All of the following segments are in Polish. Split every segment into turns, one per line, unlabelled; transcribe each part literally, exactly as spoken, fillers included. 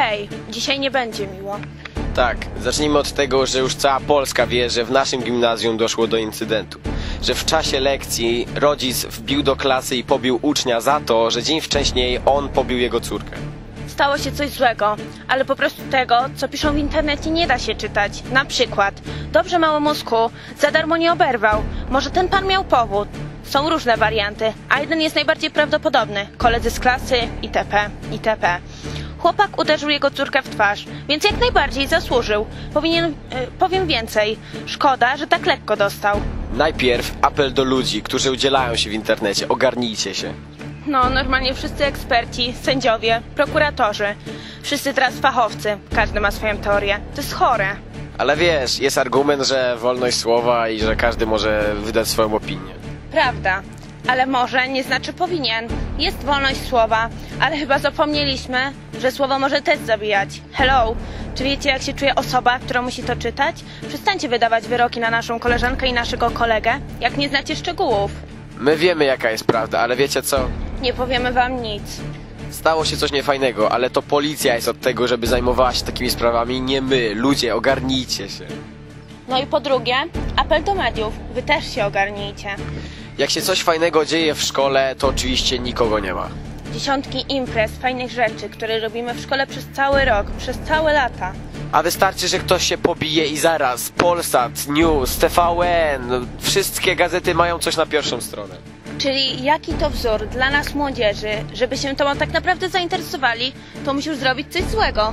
Hej, dzisiaj nie będzie miło.
Tak, zacznijmy od tego, że już cała Polska wie, że w naszym gimnazjum doszło do incydentu. Że w czasie lekcji rodzic wbił do klasy i pobił ucznia za to, że dzień wcześniej on pobił jego córkę.
Stało się coś złego, ale po prostu tego, co piszą w internecie, nie da się czytać. Na przykład, dobrze małomózku, za darmo nie oberwał. Może ten pan miał powód. Są różne warianty, a jeden jest najbardziej prawdopodobny. Koledzy z klasy, itp., itp. Chłopak uderzył jego córkę w twarz, więc jak najbardziej zasłużył. Powinien, yy, powiem więcej. Szkoda, że tak lekko dostał.
Najpierw apel do ludzi, którzy udzielają się w internecie. Ogarnijcie się.
No, normalnie wszyscy eksperci, sędziowie, prokuratorzy. Wszyscy teraz fachowcy. Każdy ma swoją teorię. To jest chore.
Ale wiesz, jest argument, że wolność słowa i że każdy może wydać swoją opinię.
Prawda. Ale może nie znaczy powinien. Jest wolność słowa, ale chyba zapomnieliśmy, że słowo może też zabijać. Hello! Czy wiecie, jak się czuje osoba, która musi to czytać? Przestańcie wydawać wyroki na naszą koleżankę i naszego kolegę, jak nie znacie szczegółów.
My wiemy, jaka jest prawda, ale wiecie co?
Nie powiemy wam nic.
Stało się coś niefajnego, ale to policja jest od tego, żeby zajmowała się takimi sprawami, nie my. Ludzie, ogarnijcie się.
No i po drugie, apel do mediów. Wy też się ogarnijcie.
Jak się coś fajnego dzieje w szkole, to oczywiście nikogo nie ma.
Dziesiątki imprez, fajnych rzeczy, które robimy w szkole przez cały rok, przez całe lata.
A wystarczy, że ktoś się pobije i zaraz Polsat, News, T V N, wszystkie gazety mają coś na pierwszą stronę.
Czyli jaki to wzór dla nas młodzieży, żeby się tobą tak naprawdę zainteresowali, to musisz zrobić coś złego.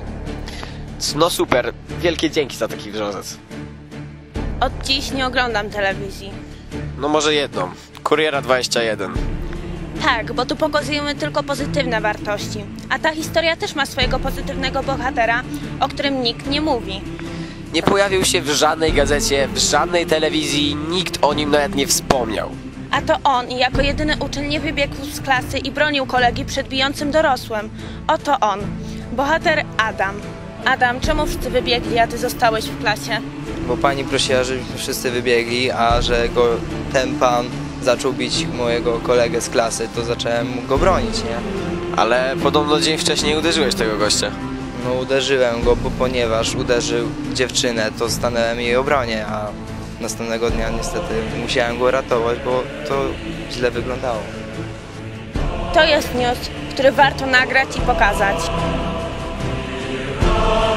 No super, wielkie dzięki za taki wrząsec.
Od dziś nie oglądam telewizji.
No może jedną, Kuriera dwadzieścia jeden.
Tak, bo tu pokazujemy tylko pozytywne wartości. A ta historia też ma swojego pozytywnego bohatera, o którym nikt nie mówi.
Nie pojawił się w żadnej gazecie, w żadnej telewizji, nikt o nim nawet nie wspomniał.
A to on jako jedyny uczeń nie wybiegł z klasy i bronił kolegi przed bijącym dorosłym. Oto on, bohater Adam. Adam, czemu wszyscy wybiegli, a ty zostałeś w klasie?
Bo pani prosiła, żebyśmy wszyscy wybiegli, a że go ten pan zaczął bić mojego kolegę z klasy, to zacząłem go bronić, nie?
Ale podobno dzień wcześniej uderzyłeś tego gościa.
No uderzyłem go, bo ponieważ uderzył dziewczynę, to stanąłem jej obronie, a następnego dnia niestety musiałem go ratować, bo to źle wyglądało.
To jest news, który warto nagrać i pokazać.